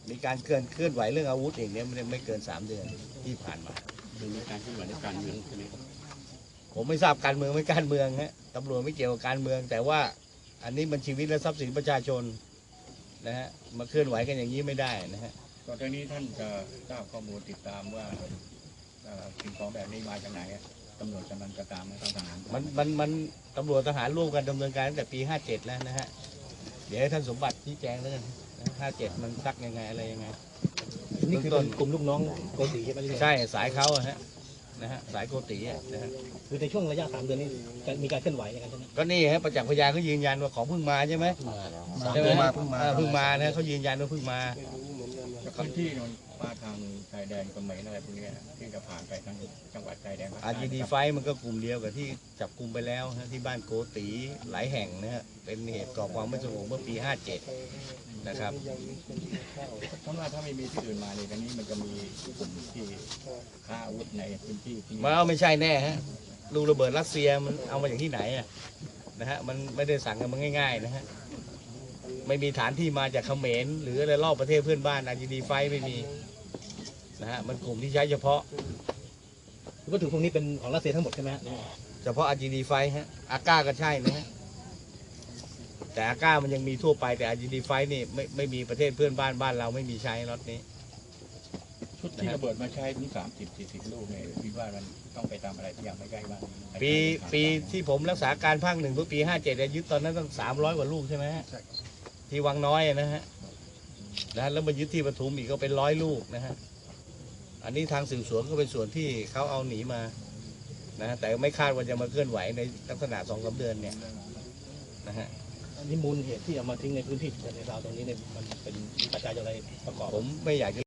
มีการเคลื่อนไหวเรื่องอาวุธเองเนี่ยไม่เกิน3 เดือนที่ผ่านมามีการเคลื่อนไหวในการเมืองใช่ไหมครับผมไม่ทราบการเมืองไม่การเมืองฮะตำรวจไม่เกี่ยวกับการเมืองแต่ว่าอันนี้มันชีวิตและทรัพย์สินประชาชนนะฮะมาเคลื่อนไหวกันอย่างนี้ไม่ได้นะฮะก่อนหน้านี้ท่านจะทราบข้อมูลติดตามว่าสิ่งของแบบนี้มาจากไหนตำรวจกำลังจะตามทหารมันตำรวจทหารร่วมกันดำเนินการตั้งแต่ปี57แล้วนะฮะเดี๋ยวให้ท่านสมบัติชี้แจงแล้วกัน57มันซักยังไงอะไรยังไงนี่คือเป็นกลุ่มลูกน้องโกติใช่ไหมใช่สายเขาฮะนะฮะสายโกตินะฮะคือในช่วงระยะ3 เดือนนี้มีการเคลื่อนไหวในการใช่ไหมก็นี่ฮะประจักษ์พยานเขายืนยันว่าของเพิ่งมาใช่ไหมใช่ไหมเพิ่งมานะเขายืนยันว่าเพิ่งมาพื้นที่นนมาทางชายแดนเขมรอะไรพวกนี้ที่จะผ่านไปทางจังหวัดชายแดน RGD ไฟมันก็กลุ่มเดียวกับที่จับกลุ่มไปแล้วฮะที่บ้านโกติหลายแห่งนะฮะเป็นเหตุก่อความไม่สงบเมื่อปี57นะครับถ้าไม่มีที่อื่นมาเลยกันนี้มันจะมีกลุ่มที่ค้าอาวุธในพื้นที่ที่ไม่ใช่แน่ฮะลูกระเบิดรัสเซียมันเอามาจากที่ไหนอะนะฮะมันไม่ได้สั่งกันมาง่ายๆนะฮะไม่มีฐานที่มาจากเขมรหรืออะไรรอบประเทศเพื่อนบ้าน RGD ไฟไม่มีนะฮะมันกลุ่มที่ใช้เฉพาะวัตถุพวกนี้เป็นของรัสเซียทั้งหมดใช่ไหมเฉพาะ RGD ไฟฮะอาก้าก็ใช่นะฮะแต่อาก้ามันยังมีทั่วไปแต่ RGD ไฟนี่ไม่มีประเทศเพื่อนบ้านเราไม่มีใช้รถนี้ชุดที่ระเบิดมาใช้ถึง30-40 ลูกเนี่ยคิดว่ามันต้องไปตามอะไรที่ยังไม่ใกล้บ้างปีที่ผมรักษาการภาค 1เมื่อปี57ยึดตอนนั้นตั้ง300 กว่าลูกใช่ไหมฮะที่วังน้อยนะฮะแล้วมายึดที่ปทุมอีกก็เป็น100 ลูกนะฮะอันนี้ทางสืบสวนก็เป็นส่วนที่เขาเอาหนีมานะแต่ไม่คาดว่าจะมาเคลื่อนไหวในลักษณะ2-3 เดือนเนี่ยนะฮะอันนี้มูลเหตุที่เอามาทิ้งในพื้นที่ในราวตรงนี้เนี่ยมันเป็นปัจจัยอะไรประกอบผมไม่อยากจะ